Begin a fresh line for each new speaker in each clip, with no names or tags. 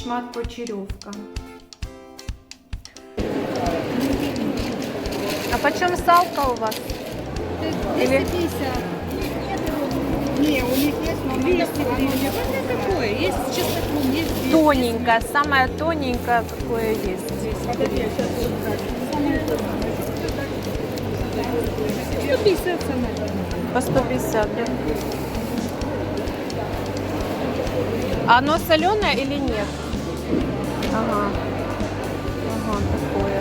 шмат почеревка. А почем салка у вас?
250. Не, у них есть, но 250.
Какое? Есть чесноком, есть 200.
Тоненькая, самая тоненькая, какое есть.
Подожди, я сейчас буду брать.
150 самое.
По 150, да? А оно соленое или нет? Ага. Ага, такое.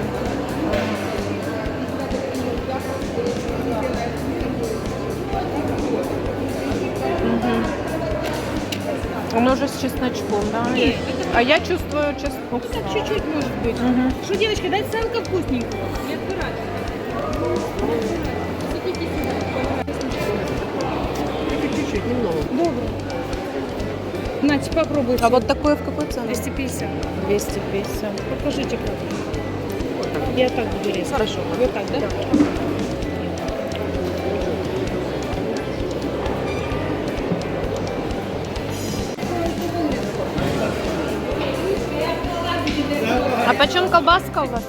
Угу. Оно уже с чесночком, да?
Нет,
А я чувствую чеснок.
Так чуть-чуть может быть.
Угу.
Что, девочка, дать салка вкусненького? Не отбирать.
Чуть-чуть, немного.
Добро. Нате, попробуйте.
А вот такое в какой цене?
250.
250.
Покажите как. Я так буду резать.
Хорошо.
Вот так, да?
А почем колбаска у вас?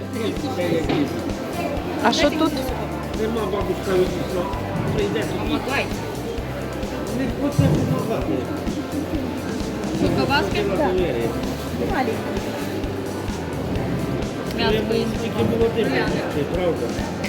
А что тут?
Нема бабушка вийшла. Прийде
Помогай.
не хоче допомагати.
Что, колбаски? Мясо
Треба
есть.
тільки молодим їсти, правда?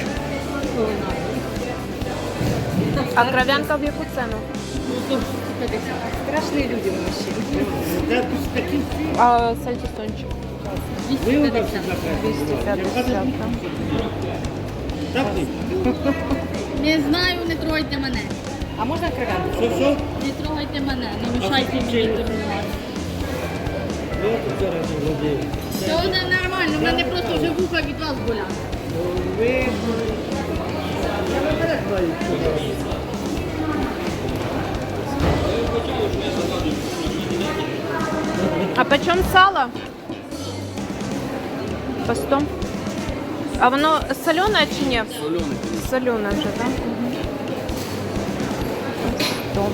А кров'янка в яку ціну?
Страшные люди у мужчин.
Де тут такі
А сальтисончик?
виявився за
250, да?
Так ні?
Не знаю, не трогайте мене.
А можно кровянку?
Що?
Не трогайте мене, не мішайте мені торгувати.
Я тут зараз молодий.
Це не нормально, в мене просто вже вуха від вас болять.
Ви... Я наперед знаю, що зараз.
А почем сало? По 100. А воно соленое чи ні? Соленое. Соленое вже, так? Да? 100.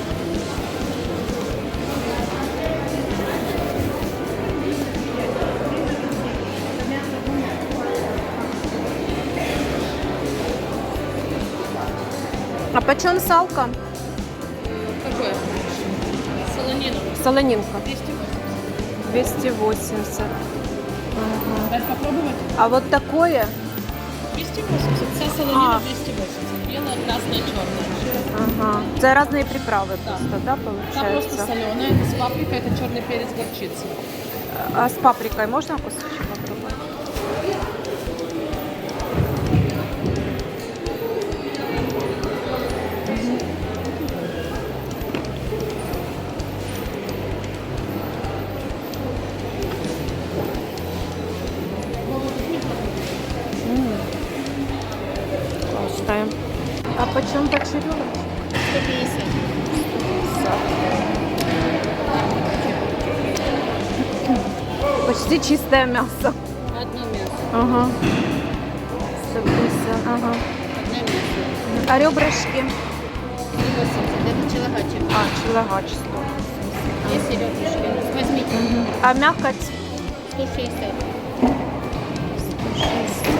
А почем салка?
Какое? Солонину.
Солонинка.
280.
280. Ага.
Дать попробовать?
А вот такое?
280. Вся солонина 280. Белая, красная, черная.
Ага. Это разные приправы
Да.
просто, да,
Та просто
получается?
соленая, это с паприкой, это черный перец, горчица.
А с паприкой можно кусочек попробовать? Вкусная. А почем почеревочек?
150.
Почти чистое мясо.
Одно мясо.
Ага. 150, ага.
Одно мясо.
А ребрышки?
180. Это челогачик.
А, челогач 100.
Есть ребрышки. Возьмите.
А мякоть?
160.
160.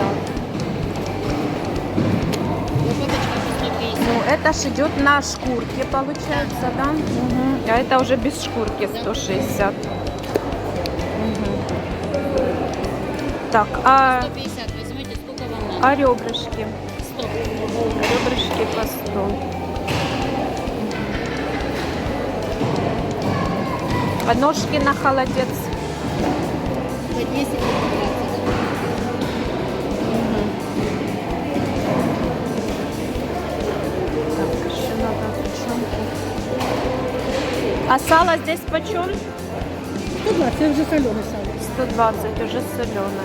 Лопаточка по 150.
Ну, это ж идет на шкурке, получается, да? Мгм. А это уже без шкурки 160. Мгм. Так, а
150. Возьмите, сколько вам надо?
ребрышки?
100.
Ребрышки по 100. А ножки на холодец?
По 10 и по 20.
Так, еще надо тушенку. А сало здесь почем?
120, це вже солене сало.
120, уже соленое.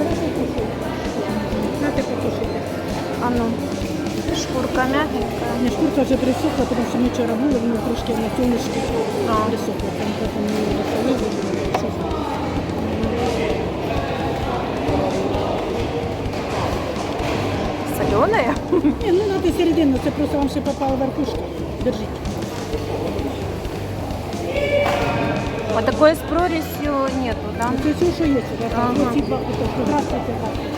Знаєте, потушити.
А ну, шкурка мягенькая.
Ні, шкурка вже присохла, тому що ми вчора були, воно трошки на сонечки
А.
присохло. Там потім ми її розсолили, присохло.
Соленая?
Ні, ну треба середину, це просто вам ще попала верхушка. Держіть.
А такое с прорезью нету, да?
Це все, що є сюди.
Ага.
Оці два кусочки. Здравствуйте.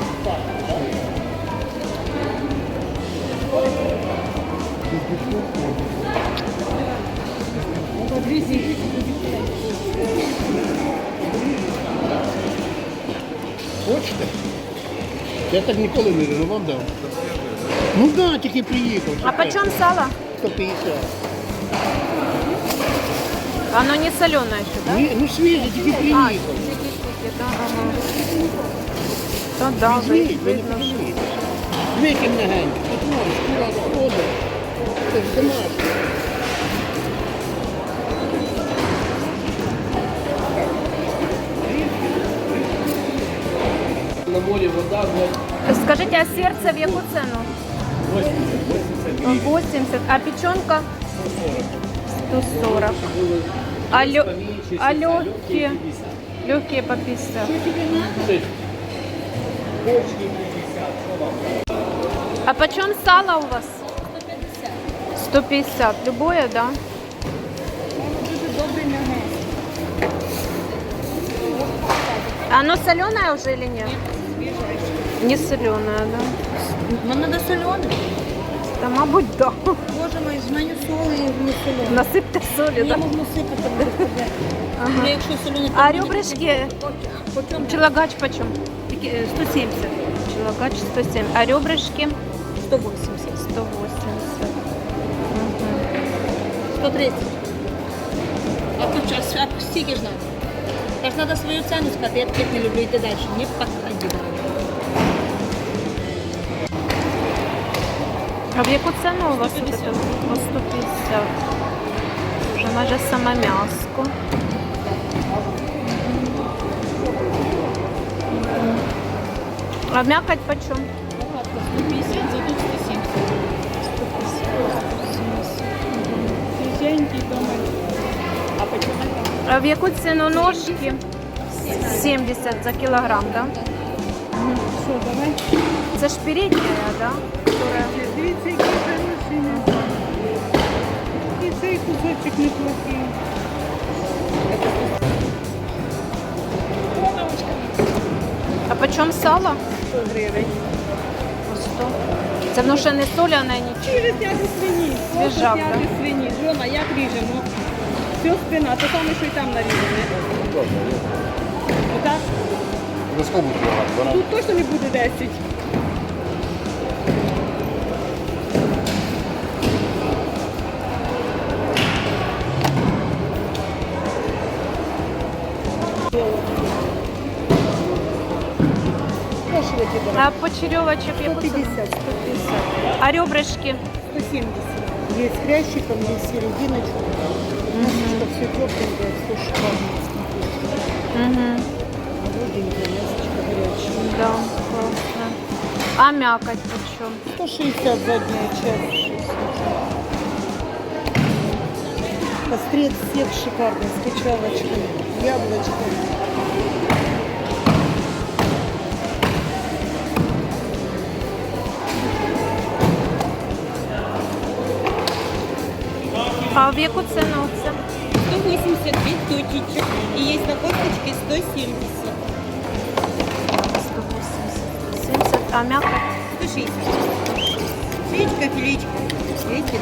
Хочете? Я так ніколи не рину, вам дам. Ну да, тільки приїхав.
А почем сало?
150.
Оно не соленое еще, да?
Ні, ну свіже, тільки
А,
приїхав.
тики-тики, да, ага. То да,
Візьміть, ви не
видно, що-
пожалієте. Викинь легенько. От можеш, шкура сходить. Це ж домашнє.
На морі вода,
Скажите, а сердце в яку цену? 80. А печенка? 140. А легкие? Легкие по 50. А почем сало у вас? 150. Любое, да? Оно соленое уже или нет? Не соленое, да?
Нам треба солене.
Та, мабуть, да.
Боже мой, з мене соли і не солене.
Насипте солі,
Я
да?
можу сипати, там буде сказати. Ну, якщо солене,
А ребрышки? Челогач почем?
170.
Челогач 107. А ребрышки?
180.
180.
130. А тут час, а стільки ж надо. Так треба свою ціну сказати, я таких не люблю йти далі. Не підходи.
А в яку ціну у вас тут? 150. По 150. Вже майже саме м'яско. А м'якоть почем?
150, зато 170.
Свіженький дома.
А в яку ціну ножки? 70 за кілограм, да?
Що, давай?
Це ж передня, да? Которая...
Дивіться, які хороші. І цей кусочок неплохий.
А почем сало?
100 гривень.
По 100. Це воно ще не соляне, нічого.
Через зняти свині.
Свіжак,
Просто зняти свині. Жона, як ріжемо? Все спина, те саме, що й там нарізане. Отак? Тут точно не буде 10.
А почерьовочек яку ціну?
150, 150.
А ребрышки?
170. Есть с хрящиком, есть серединочка. Мясочка все тепленькое, все шикарно.
Угу.
Молоденькое, мясочко горячее.
Да, классно. А мякоть почем?
160 задняя часть. Пострец сек шикарный, с качалочкой, яблочком.
А в яку ціну це?
180 точечек. И есть на косточке 170.
180, 70, а мякоть?
160. Филечка, филечка. 220.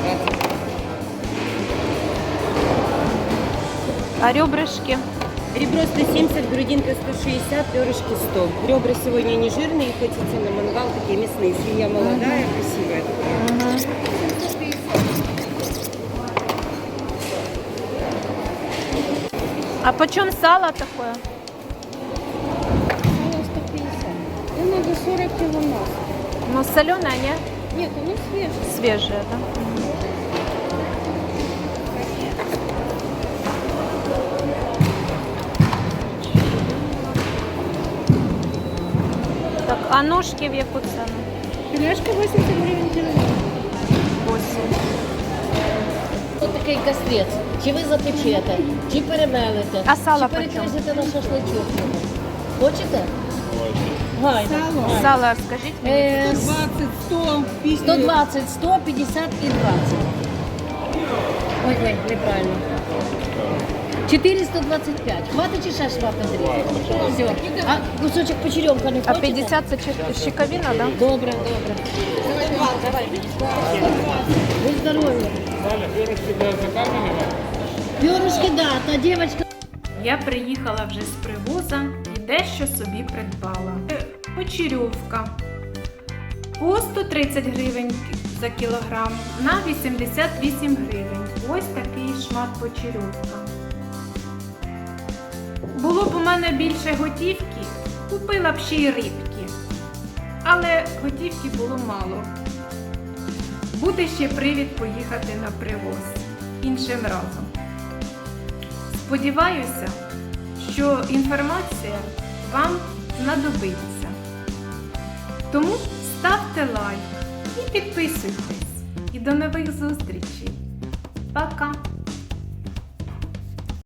А ребрышки?
Ребро 170, грудинка 160, перышки 100. Ребра сегодня не жирные, хотите на мангал, такие мясные. Свинья молодая, красивая.
А почем сало такое?
150. Ну, надо 40 кило масла.
Ну, соленое, не?
Нет, оно свежее.
Свежее, да? Так, а ножки в яку ціну?
Филешка 80 гривен килограмм.
8.
Ось такий кастрець. Чи ви запечете, чи перемелите,
А сало
чи
почем?
перекрисите на шашличок. Хочете? Гайно.
Сало, скажіть мені.
20, 100, 50.
120, 150 і 20. Ой, неправильно. 425. Хватить чи ще швапнути? Все. А кусочок почерьомка не
А
хочете?
50 це щековина, да?
Добре, добре. Ви здорові. Пюрешки, да, та дівчинка.
Я приїхала вже з привоза і дещо собі придбала. Почерьовка по 130 гривень за кілограм на 88 гривень. Ось такий шмат почерьовка. Було б у мене більше готівки, купила б ще й рибки. Але готівки було мало. Буде ще привід поїхати на привоз іншим разом. Сподіваюся, що інформація вам знадобиться. Тому ставте лайк і підписуйтесь. І до нових зустрічей. Пока!